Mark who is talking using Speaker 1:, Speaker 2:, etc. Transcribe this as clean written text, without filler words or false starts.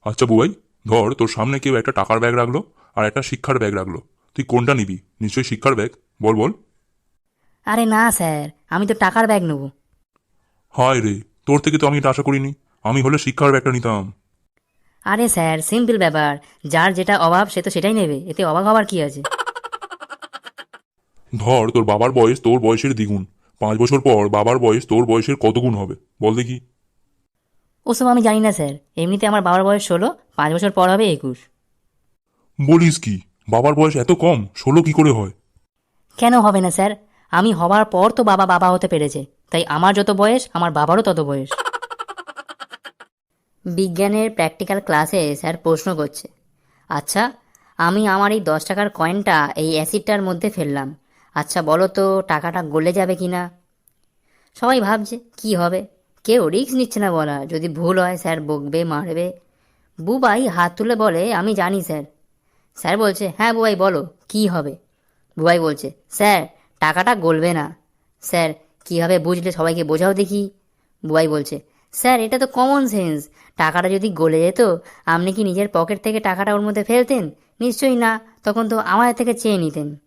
Speaker 1: আচ্ছা বুবাই, ধর তোর সামনে কেউ একটা টাকার ব্যাগ রাখলো আর একটা শিক্ষার ব্যাগ রাখলো, তুই কোনটা নিবি? নিশ্চয়ই শিক্ষার ব্যাগ। বল বল।
Speaker 2: আরে না স্যার, আমি তো টাকার ব্যাগ নেব।
Speaker 1: হায় রে, তোর থেকে তো আমি এটা আশা করিনি। আমি হলে শিক্ষার ব্যাগটা নিতাম।
Speaker 2: আরে স্যার, সিম্পল ব্যাপার। যার যেটা অভাব সে তো সেটাই নেবে, এতে অবাক হবার কি আছে?
Speaker 1: ধর তোর বাবার বয়স তোর বয়সের দ্বিগুণ, 5 বছর পর বাবার বয়স তোর বয়সের কত গুণ হবে বল দেখি।
Speaker 2: ওসব আমি জানি না স্যার। এমনিতে আমার বাবার বয়স 16, 5 বছর পর হবে 21।
Speaker 1: বলিস কি? বাবার বয়স এত কম, 16 কি করে হয়?
Speaker 2: কেন হবে না স্যার? আমি হবার পর তো বাবা বাবা হতে পেরেছে, তাই আমার যত বয়স আমার বাবারও তত বয়স। বিজ্ঞানের প্র্যাকটিক্যাল ক্লাসে স্যার প্রশ্ন করছে, আচ্ছা, আমি আমার এই 10 টাকার কয়েনটা এই অ্যাসিডটার মধ্যে ফেললাম। আচ্ছা বলো তো টাকাটা গলে যাবে কি না? সবাই ভাবছে কি হবে। কেউ রিস্ক নিচ্ছে না, বলা যদি ভুল হয় স্যার বকবে মারবে। বুবাই হাত তুলে বলে, আমি জানি স্যার। স্যার বলছে, হ্যাঁ বুবাই বলো কি হবে। বুবাই বলছে, স্যার টাকাটা গলবে না। স্যার, কীভাবে বুঝলে সবাইকে বোঝাও দেখি। বুবাই বলছে, স্যার এটা তো কমন সেন্স। টাকাটা যদি গলে যেত, আপনি কি নিজের পকেট থেকে টাকাটা ওর মধ্যে ফেলতেন? নিশ্চয়ই না, তখন তো আমাদের থেকে চেয়ে নিতেন।